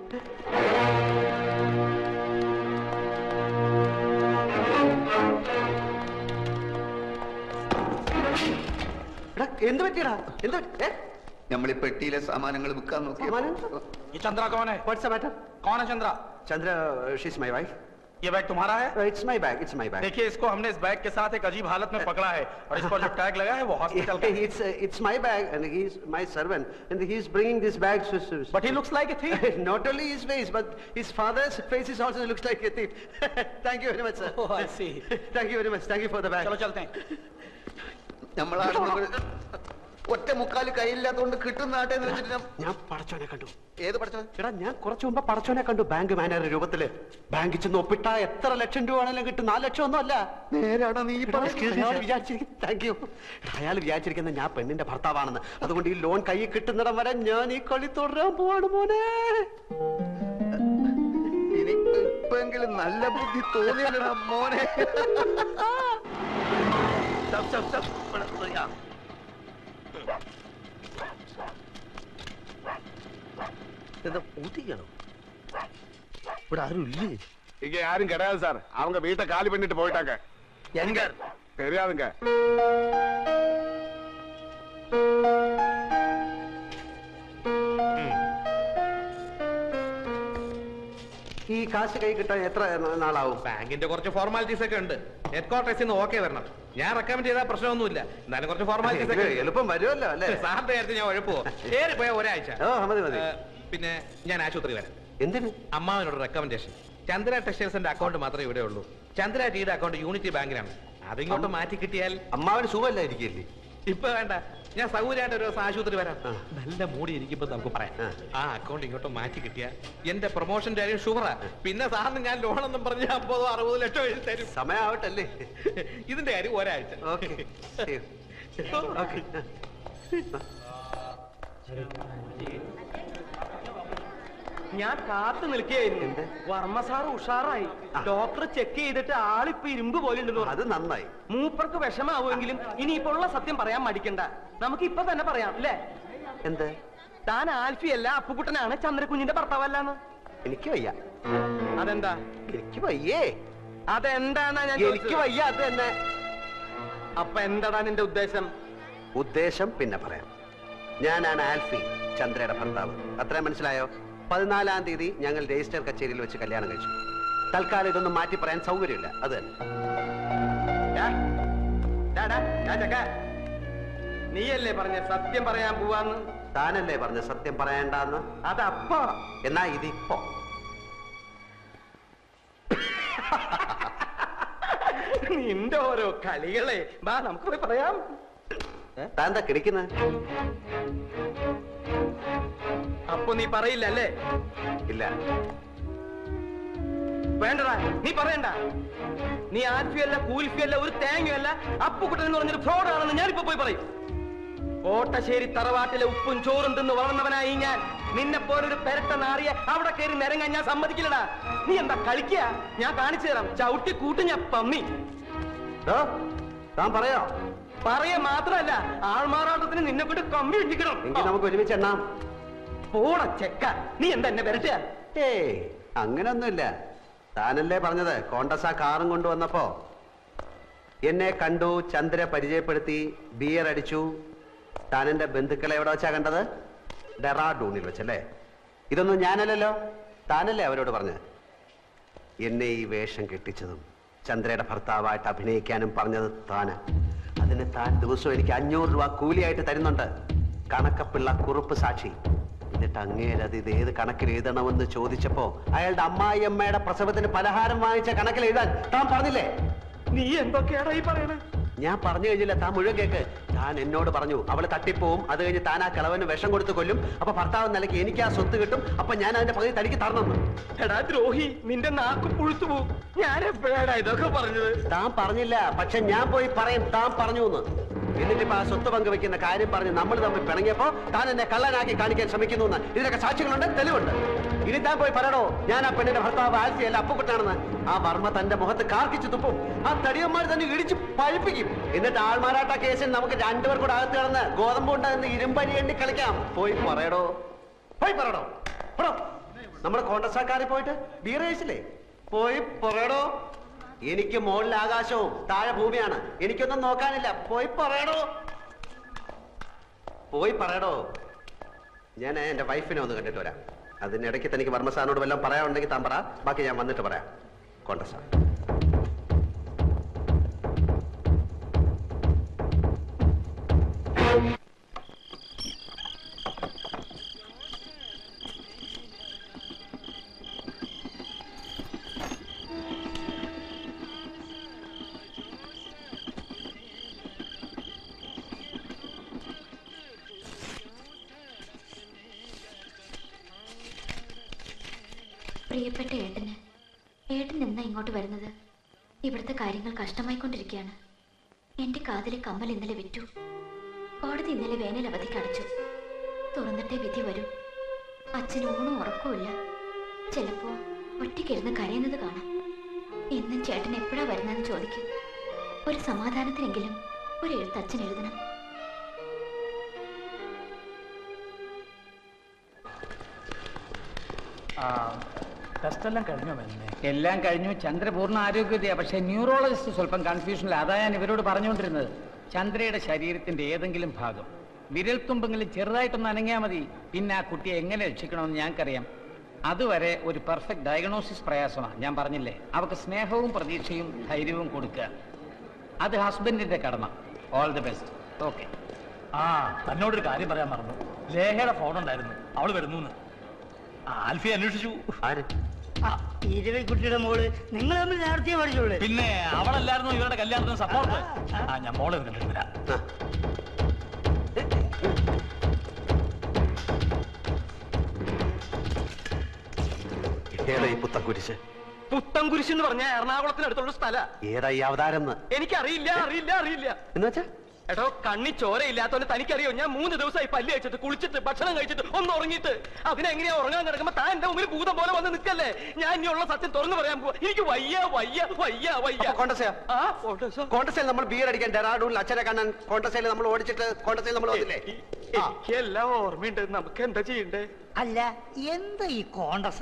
എന്ത് പറ്റിയടാ? എന്ത് നമ്മൾ ഈ പെട്ടിയിലെ സാമാനങ്ങൾ വിൽക്കാൻ നോക്കി. चंद्रा कौन है? What's the matter? कौन है Chandra? Chandra, she's my wife. ये बैग तुम्हारा है? It's my bag. It's my bag. देखिए, इसको हमने इस बैग के साथ एक अजीब हालत में पकड़ा है और इस पर जो टैग लगा है वो हॉस्पिटल का है। It's my bag and he's my servant and he's bringing this bag. But he looks like a thief. Not only his face, but his father's face is also looks like a thief. Thank you very much, sir. Oh, I see. Thank you very much. Thank you for the bag. चलो चलते हैं. ഒറ്റ മുക്കാല് കയ്യില്ലാത്തതുകൊണ്ട് കിട്ടുന്ന നാട്ടെ ഞാൻ പടച്ചോനെ കണ്ടു. ഏത് പടച്ചോൻ? എടാ, ഞാൻ കുറച്ചു മുമ്പ് പടച്ചോനെ കണ്ടു ബാങ്ക് മാനേജർ രൂപത്തില്. ബാങ്കിൽ ചെന്ന് ഒപ്പിട്ടാ എത്ര ലക്ഷം രൂപ ആണെങ്കിലും കിട്ടും. 4 ലക്ഷം ഒന്നും അല്ല. നേരാണോ നീ താങ്ക് യു. അയാൾ വിചാരിച്ചിരിക്കുന്ന ഞാൻ പെണ്ണിന്റെ ഭർത്താവാണെന്ന്. അതുകൊണ്ട് ഈ ലോൺ കൈ കിട്ടുന്നിടം വരെ ഞാൻ ഈ കളി തുടരാൻ പോവാണ് മോനെ. ഇനിയിപ്പെങ്കിലും നല്ല ബുദ്ധി തോന്നിയല്ലടാ മോനെ. എന്താ ഊട്ടിക്കണോ? ഇവിടെ ആരും ഇല്ലേ? இங்க யாரும் கிடையாது சார். அவங்க வீட்டை காலி பண்ணிட்டு போயிட்டாங்க. எங்க? தெரியாதுங்க. ഈ കാശ് കൈ കിട്ടാൻ എത്ര നാളാവും? ബാങ്കിന്റെ കുറച്ച് ഫോർമാലിറ്റീസ് ഒക്കെ ഉണ്ട്. ഹെഡ് ക്വാർട്ടേഴ്സിൽ നിന്ന് ഓക്കെ വരണം. ഞാൻ റെക്കമെൻഡ് ചെയ്താൽ പ്രശ്നമൊന്നുമില്ല. എന്നാലും കുറച്ച് ഫോർമാലിറ്റീസ് ഒക്കെ എളുപ്പം വരുമല്ലോ അല്ലേ? സാറിന്റെ കാര്യത്തിൽ ഞാൻ ഉഴപ്പോ ഏറി പോയ ഒരാഴ്ച. പിന്നെ ഞാൻ ആശുപത്രി വരാം. എന്തിന്? അമ്മാവനോട് റെക്കമെൻഡേഷൻ. ചന്ദ്ര ടെക്സ്റ്റൈൽസിന്റെ അക്കൗണ്ട് മാത്രമേ ഇവിടെ ഉള്ളൂ. ചന്ദ്ര ടീയുടെ അക്കൗണ്ട് യൂണിറ്റി ബാങ്കിലാണ്. അതിങ്ങോട്ട് മാറ്റി കിട്ടിയാൽ അമ്മാവന് സുഖമല്ലായിരിക്കില്ലേ? ഇപ്പൊ വേണ്ട, ഞാൻ സൗകര്യമായിട്ട് ഒരു ദിവസം ആശുപത്രി വരാം. നല്ല മൂടി ഇരിക്കുമ്പോ നമുക്ക് പറയാം. ആ അക്കൗണ്ട് ഇങ്ങോട്ട് മാറ്റി കിട്ടിയ എന്റെ പ്രൊമോഷന്റെ കാര്യം ഷുവറാ. പിന്നെ സാറിന് ഞാൻ ലോണെന്നും പറഞ്ഞ് 50-60 ലക്ഷം എഴുതി തരും. സമയാവട്ടല്ലേ? ഇതിന്റെ കാര്യം ഒരാഴ്ച. ഞാൻ കാത്തു നിൽക്കുകയായിരുന്നു. വർമ്മ സാർ ഉഷാറായി. ഡോക്ടർ ചെക്ക് ചെയ്തിട്ട് ആളിപ്പോ ഇരുമ്പ് പോലെ ഉണ്ടെന്ന് പറഞ്ഞു. അത് നന്നായി. മൂപ്പർക്ക് വിഷമാവുമെങ്കിലും ഇനിയിപ്പോ ഉള്ള സത്യം പറയാൻ മടിക്കണ്ട. നമുക്ക് ഇപ്പൊ തന്നെ പറയാം അല്ലേ? എന്ത്? താൻ ആൽഫിയല്ല, അപ്പുകുട്ടനാണ് ചന്ദ്രകുഞ്ഞിന്റെ ഭർത്താവല്ലാന്ന്. എനിക്ക് വയ്യ. അതെന്താ? എനിക്ക് വയ്യേ. അതെന്താന്നാ ഞാൻ? എനിക്ക് വയ്യ. അത് തന്നെ. അപ്പൊ എന്താടാ നിന്റെ ഉദ്ദേശം? ഉദ്ദേശം പിന്നെ പറയാം. ഞാനാണ് ആൽഫി, ചന്ദ്രയുടെ ഭർത്താവ്. അത്രയും മനസ്സിലായോ? 14-ാം തീയതി ഞങ്ങൾ രജിസ്റ്റർ കച്ചേരിയിൽ വെച്ച് കല്യാണം കഴിച്ചു. തൽക്കാലം ഇതൊന്നും മാറ്റി പറയാൻ സൗകര്യമില്ല. അത് തന്നെ. നീയല്ലേ പറഞ്ഞ സത്യം പറയാൻ പോവാന്ന്? താനല്ലേ പറഞ്ഞ സത്യം പറയണ്ടെന്ന്? അതപ്പോ. എന്നാ ഇതിപ്പോ. നിന്റെ ഓരോ കളികളെ വാ നമുക്ക് പോയി പറയാം. താൻ എന്താ കിടക്കുന്നത്? അപ്പൊ നീ പറയില്ല അല്ലേ? ഇല്ല. വേണ്ടടാ, നീ പറയണ്ട. നീ ആൽഫിയല്ല, കൂൽഫിയല്ല, ഒരു തേങ്ങയല്ല, അപ്പുകുട്ടൻ എന്ന് പറഞ്ഞൊരു ഫ്രോഡ് ആണെന്ന് ഞാനിപ്പോ പോയി പറയും. കോട്ടശ്ശേരി തറവാട്ടിലെ ഉപ്പും ചോറും തിന്ന് വളർന്നവനായി ഞാൻ. നിന്നെ പോലൊരു പെരട്ട നാറിയെ അവിടെ കയറി നിരങ്ങാൻ ഞാൻ സമ്മതിക്കില്ലടാ. നീ എന്താ കളിക്കുക? ഞാൻ കാണിച്ചു തരാം. ചവിട്ടി കൂട്ടി ഞാൻ പന്നി. താൻ പറയോ? പറയ മാത്രല്ല, ആൾമാറാട്ടത്തിന് നിന്നെ കൊണ്ട് കമ്പി ഇട്ടിക്കണം. എങ്കിൽ നമുക്ക് ഒരുമിച്ച് എണ്ണാം. പോണ ചെക്ക, നീ എന്താ എന്നെ വരട്ടുക? ഏയ്, അങ്ങനൊന്നുമില്ല. താനല്ലേ പറഞ്ഞത് കോണ്ടസ കാറും കൊണ്ടുവന്നപ്പോ എന്നെ കണ്ടു, ചന്ദ്ര പരിചയപ്പെടുത്തി, ബിയർ അടിച്ചു. താൻ എന്റെ ബന്ധുക്കളെ എവിടെ വെച്ചാ കണ്ടത്? ഡെറാഡൂണിൽ വെച്ചല്ലേ? ഇതൊന്നും ഞാനല്ലല്ലോ, താനല്ലേ അവരോട് പറഞ്ഞത്. എന്നെ ഈ വേഷം കെട്ടിച്ചതും ചന്ദ്രയുടെ ഭർത്താവായിട്ട് അഭിനയിക്കാനും പറഞ്ഞത് താന്. അതിന് താൻ ദിവസവും എനിക്ക് 500 രൂപ കൂലിയായിട്ട് തരുന്നുണ്ട്. കണക്കപ്പിള്ള കുറുപ്പ് സാക്ഷി. എന്നിട്ട് അങ്ങേരത് ഇത് ഏത് കണക്കിൽ എഴുതണമെന്ന് ചോദിച്ചപ്പോ അയാളുടെ അമ്മായിയമ്മയുടെ പ്രസവത്തിന് പലഹാരം വാങ്ങിച്ച കണക്കിൽ എഴുതാൻ താൻ പറഞ്ഞില്ലേ? നീ എന്തൊക്കെയാടാ ഈ പറയണേ? ഞാൻ പറഞ്ഞു കഴിഞ്ഞില്ല, താൻ മുഴുവൻ കേക്ക്. താൻ എന്നോട് പറഞ്ഞു അവള് തട്ടിപ്പോവും, അത് കഴിഞ്ഞ് താൻ ആ കിളവന് വിഷം കൊടുത്ത് കൊല്ലും, അപ്പൊ ഭർത്താവ് നിലയ്ക്ക് എനിക്ക് ആ സ്വത്ത് കിട്ടും, അപ്പൊ ഞാൻ അതിന്റെ പകുതി തനിക്ക് തരണം. എടാ ദ്രോഹി, നിന്റെ നാക്ക് പുഴുത്തു പോവും. ഞാൻ എപ്പോഴാണ് ഇതൊക്കെ പറഞ്ഞത്? താൻ പറഞ്ഞില്ല, പക്ഷെ ഞാൻ പോയി പറയും താൻ പറഞ്ഞു എന്ന്. എന്നിട്ടിപ്പോ ആ സ്വത്ത് പങ്കുവെക്കുന്ന കാര്യം പറഞ്ഞ് നമ്മൾ തമ്മിൽ പിണങ്ങിയപ്പോ താൻ എന്നെ കള്ളനാക്കി കാണിക്കാൻ ശ്രമിക്കുന്നു എന്ന് ഇതിനൊക്കെ സാക്ഷികളുണ്ട്, തെളിവുണ്ട്. ഇനി താൻ പോയി പറയണോ ഞാൻ ആ പെണ്ണിന്റെ ഭർത്താവ് ആൽഫിയല്ല അപ്പുകുട്ടനാണെന്ന്? ആ വർമ്മ തന്റെ മുഖത്ത് കാർക്കിച്ചു തുപ്പും. ആ തടിയന്മാർ തന്നെ ഇടിച്ച് പഴിപ്പിക്കും. എന്നിട്ട് ആൾമാറാട്ട കേസിൽ നമുക്ക് 2 പേർ കൂടെ അകത്ത് കിടന്ന് ഗോതമ്പ് ഉണ്ടാകുന്ന ഇരുമ്പരി എണ്ണി കളിക്കാം. പോയി പറയടോ, പോയി പറയടോ. നമ്മുടെ കോൺഗ്രസ്സാക്കാരെ പോയിട്ട് ബീർ കഴിച്ചില്ലേ? പോയി പറയടോ. എനിക്ക് മുകളിൽ ആകാശവും താഴെ ഭൂമിയാണ്, എനിക്കൊന്നും നോക്കാനില്ല. പോയി പറയടോ, പോയി പറയടോ. ഞാൻ എന്റെ വൈഫിനെ ഒന്ന് കണ്ടിട്ട് വരാം. അതിനിടയ്ക്ക് തനിക്ക് വർമ്മ സാറിനോട് വല്ലതും പറയാനുണ്ടെങ്കിൽ താൻ പറ, ബാക്കി ഞാൻ വന്നിട്ട് പറയാം. കോൺഗ്രസ് സാർ. പ്രിയപ്പെട്ട ഏട്ടൻ എന്നാ ഇങ്ങോട്ട് വരുന്നത്? ഇവിടുത്തെ കാര്യങ്ങൾ കഷ്ടമായിക്കൊണ്ടിരിക്കുകയാണ്. എന്റെ കാതിലെ കമ്മൽ ഇന്നലെ വിറ്റു. കോടതി ഇന്നലെ വേനൽ അവധിക്ക് അടച്ചു. തുറന്നിട്ടേ വിധി വരൂ. അച്ഛന് ഊണും ഉറക്കവുമില്ല. ചിലപ്പോ ഒറ്റയ്ക്കിരുന്ന് കരയുന്നത് കാണാം. എന്നും ചേട്ടൻ എപ്പോഴാ വരുന്നതെന്ന് ചോദിക്കും. ഒരു സമാധാനത്തിനെങ്കിലും ഒരു എഴുത്ത് അച്ഛൻ എഴുതണം. ടെസ്റ്റെല്ലാം കഴിഞ്ഞോ മെന്നെ? എല്ലാം കഴിഞ്ഞു. ചന്ദ്ര പൂർണ്ണ ആരോഗ്യതയാ. പക്ഷേ ന്യൂറോളജിസ്റ്റ് സ്വല്പം കൺഫ്യൂഷനിൽ. അതാ ഞാൻ ഇവരോട് പറഞ്ഞുകൊണ്ടിരുന്നത്. ചന്ദ്രയുടെ ശരീരത്തിന്റെ ഏതെങ്കിലും ഭാഗം വിരൽത്തുമ്പെങ്കിലും ചെറുതായിട്ടൊന്ന് അനങ്ങിയാൽ മതി. പിന്നെ ആ കുട്ടിയെ എങ്ങനെ രക്ഷിക്കണമെന്ന് ഞങ്ങൾക്കറിയാം. അതുവരെ ഒരു പെർഫെക്റ്റ് ഡയഗ്നോസിസ് പ്രയാസമാണ്. ഞാൻ പറഞ്ഞില്ലേ, അവർക്ക് സ്നേഹവും പ്രതീക്ഷയും ധൈര്യവും കൊടുക്കുക. അത് ഹസ്ബൻഡിന്റെ കടമ. All the best. ഓക്കെ. തന്നോടൊരു കാര്യം പറയാൻ മറന്നു. ലേഹയുടെ ഫോൺ ഉണ്ടായിരുന്നു, അവള് വരുന്നു. ആൽഫി അന്വേഷിച്ചു. ആര്? കുട്ടിയുടെ മോള് നിങ്ങൾ തമ്മിൽ നേരത്തെ പഠിച്ചോളൂ. പിന്നെ അവളല്ലായിരുന്നു ഇവരുടെ കല്യാണത്തിന് സപ്പോർട്ട്. ഞാൻ മോളെ കണ്ടിട്ട് വരാം. ഏതാ ഈ പുത്തൻകുരിശ്? പുത്തൻകുരിശ് എന്ന് പറഞ്ഞാൽ എറണാകുളത്തിനടുത്തുള്ള സ്ഥല. ഏതാ ഈ അവതാരം? എനിക്കറിയില്ല, അറിയില്ല, അറിയില്ല. എന്ന് വെച്ചാ എടോ, കണ്ണി ചോരയില്ലാത്തോണ്ട് തനിക്കറിയോ? ഞാൻ 3 ദിവസമായി പല്ല് കഴിച്ചിട്ട്, കുളിച്ചിട്ട്, ഭക്ഷണം കഴിച്ചിട്ട്, ഒന്ന് ഉറങ്ങിയിട്ട്. അതിനെങ്ങനെയാ ഉറങ്ങാൻ കിടക്കുമ്പോ താൻ എന്റെ മുമ്പിൽ ഭൂതം പോലെ വന്ന് നിൽക്കല്ലേ? ഞാൻ ഇനിയുള്ള സത്യം തുറന്നു പറയാൻ പോവാ. എനിക്ക് വയ്യ വയ്യ വയ്യ വയ്യ. കോൺഗ്രസിൽ നമ്മൾ ബിയർ അടിക്കാൻ ഡെറാഡൂണിൽ അച്ഛനെ കാണാൻ കോൺഗ്രസിൽ നമ്മൾ ഓടിച്ചിട്ട് കോൺഗ്രസിൽ നമ്മൾ വന്നില്ലേ? എനിക്ക് എല്ലാം ഓർമ്മയുണ്ട്. നമുക്ക് എന്താ ചെയ്യണ്ടേ? അല്ല, എന്താ ഈ കോൺഗ്രസ്?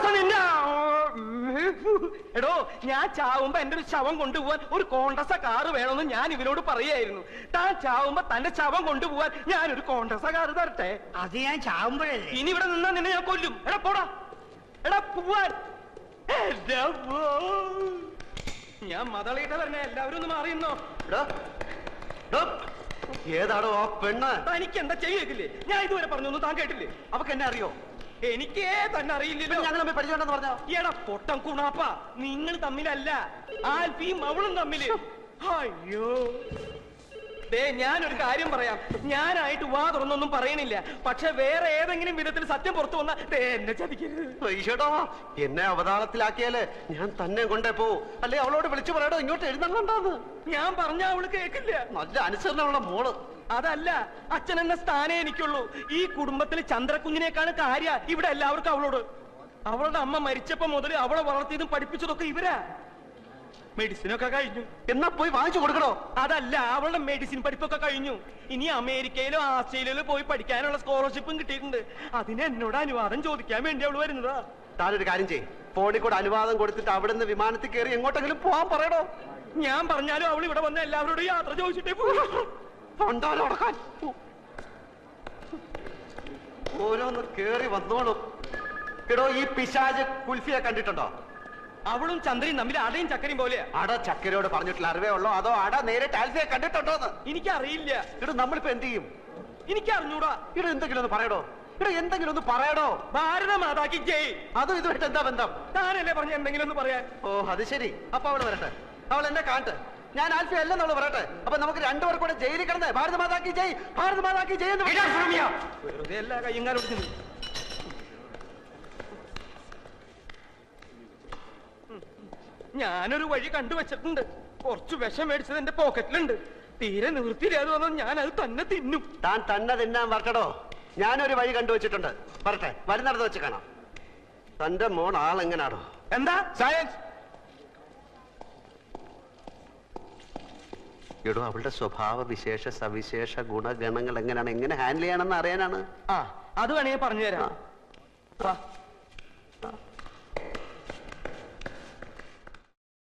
എടോ, ഞാൻ ചാവുമ്പോ എന്റെ ഒരു ശവം കൊണ്ടുപോവാൻ ഒരു കോൺഗ്രസ കാറ് വേണമെന്ന് ഞാൻ ഇവരോട് പറയായിരുന്നു. താൻ ചാവുമ്പോ തന്റെ ശവം കൊണ്ടുപോവാൻ ഞാനൊരു കോൺഗ്രസ കാറ് തരട്ടെ? അത് ഞാൻ ചാവുമ്പോഴല്ലേ? ഇനി ഇവിടെ നിന്നാ നിന്നെ ഞാൻ കൊല്ലും. എടാ പോടാ, എടാ പോവാൻ. ഞാൻ മതളീട്ട വരണേ, എല്ലാവരും ഒന്ന് മാറിയുന്നോ? ഏതാടോ ആ പെണ്ണ്? തനിക്ക് എന്താ ചെയ്യേക്കില്ലേ? ഞാൻ ഇതുവരെ പറഞ്ഞൊന്നും താൻ കേട്ടില്ലേ? അവക്ക് എന്നെ അറിയോ? എനിക്കേ തന്നെ അറിയില്ലല്ലോ. ഞങ്ങൾ തമ്മിൽ പരിചയമുണ്ടെന്ന് പറഞ്ഞോ? എടാ പൊട്ടം കുണാപ്പ, നിങ്ങൾ തമ്മിലല്ല, ആൽഫിയും അവളും തമ്മില്. അയ്യോ, ദേ ഞാനൊരു കാര്യം പറയാം. ഞാനായിട്ട് വാ തുറന്നൊന്നും പറയണില്ല. പക്ഷെ വേറെ ഏതെങ്കിലും വിധത്തിൽ സത്യം പുറത്തു വന്നാ എന്നെ ചതിക്കരുത്. ഈശ്വടാ, എന്നെ അവതാളത്തിലാക്കിയാല് ഞാൻ തന്നെ കൊണ്ടേ പോവും. അല്ലെ അവളോട് വിളിച്ചു പറയടോ ഇങ്ങോട്ട് എഴുന്നള്ളണ്ടാന്ന്. ഞാൻ പറഞ്ഞ അവള് കേക്കില്ല. നല്ല അനുസരണമുള്ള മോള്. അതല്ല, അച്ഛൻ എന്ന സ്ഥാനേ എനിക്കുള്ളൂ. ഈ കുടുംബത്തിൽ ചന്ദ്രക്കുഞ്ഞിനേക്കാണ് കാര്യ ഇവിടെ എല്ലാവർക്കും അവളോട്. അവളുടെ അമ്മ മരിച്ചപ്പോ മുതൽ അവളെ വളർത്തിയതും പഠിപ്പിച്ചതൊക്കെ ഇവരാ. മെഡിസിനൊക്കെ കഴിഞ്ഞു. എന്നാ പോയി വാങ്ങിച്ചു കൊടുക്കണോ? അതല്ല, അവളുടെ മെഡിസിൻ പഠിപ്പൊക്കെ കഴിഞ്ഞു. ഇനി അമേരിക്കയിലോ ആസ്ട്രേലിയയിലോ പോയി പഠിക്കാനുള്ള സ്കോളർഷിപ്പും കിട്ടിയിട്ടുണ്ട്. അതിന് എന്നോട് അനുവാദം ചോദിക്കാൻ വേണ്ടി അവള് വരുന്നതാ. താനൊരു കാര്യം ചെയ്യ്, ഫോണിൽ കൂടെ അനുവാദം കൊടുത്തിട്ട് അവിടുന്ന് വിമാനത്തിൽ കയറി എങ്ങോട്ടെങ്കിലും പോവാൻ പറയണോ? ഞാൻ പറഞ്ഞാലും അവൾ ഇവിടെ വന്ന എല്ലാവരോടും യാത്ര ചോദിച്ചിട്ടേ പണ്ടാലോടക്കാൻ ഓരോന്ന് കേറി വന്നോളും. എടോ, ഈ പിശാച് കുൽഫിയെ കണ്ടിട്ടുണ്ടോ? അവളും ചന്ദ്രയും തമ്മിൽ അടയും ചക്കരയും പോലെയാ. അട ചക്കരയോട് പറഞ്ഞിട്ടുള്ള അറിവേ ഉള്ളോ, അതോ അട നേരിട്ട് ആൽഫിയെ കണ്ടിട്ടുണ്ടോന്ന്? എനിക്കറിയില്ല. ഇടോ, നമ്മളിപ്പോ എന്ത് ചെയ്യും? എനിക്ക് അറിഞ്ഞൂടാ. ഇടോ, എന്തെങ്കിലും ഒന്ന് പറയടോ. ഇടോ, എന്തെങ്കിലും ഒന്ന് പറയടോ. ഭാരത മാതാക്കി ജയ്. അതും ഇതുമായിട്ട് എന്താ ബന്ധം? താനല്ലേ പറഞ്ഞ എന്തെങ്കിലും ഒന്ന് പറയാൻ? ഓ, അത് ശരി. അപ്പൊ അവള് വരട്ടെ, അവൾ എന്നെ കാണട്ടെ. ഞാൻ ആൽഫി അല്ലെന്ന് അവള് പറയട്ടെ. അപ്പൊ നമുക്ക് രണ്ടുപേർ കൂടെ ജയിലിൽ കിടന്ന് ഭാരത മാതാക്കി ജയ്, ഭാരത മാതാക്കി ജയ് എന്ന് വെറുതെ എല്ലാ കയ്യങ്കാലും. ഞാനൊരു വഴി കണ്ടുവച്ചിട്ടുണ്ട്. കുറച്ച് വിഷം മേടിച്ചത് എന്റെ പോക്കറ്റിലുണ്ട്. തീരെ നിവൃത്തിയില്ലാതെ വന്നാൽ ഞാൻ അത് തന്നെ തിന്നും. താൻ തന്നെ തിന്നാൻ വരട്ടടോ. ഞാനൊരു വഴി കണ്ടുവച്ചിട്ടുണ്ട്. വരട്ടെ, വരുന്നിടത്ത് വെച്ച് കാണാം. തന്റെ മോൾ ആളെങ്ങനാടോ? എന്താ സയൻസ്? എടോ, അവളുടെ സ്വഭാവ വിശേഷ സവിശേഷ ഗുണഗണങ്ങൾ എങ്ങനെയാണ്, എങ്ങനെ ഹാൻഡിൽ ചെയ്യണമെന്ന് അറിയാനാണ്. അത് വേണമെങ്കിൽ പറഞ്ഞു തരാം. ആ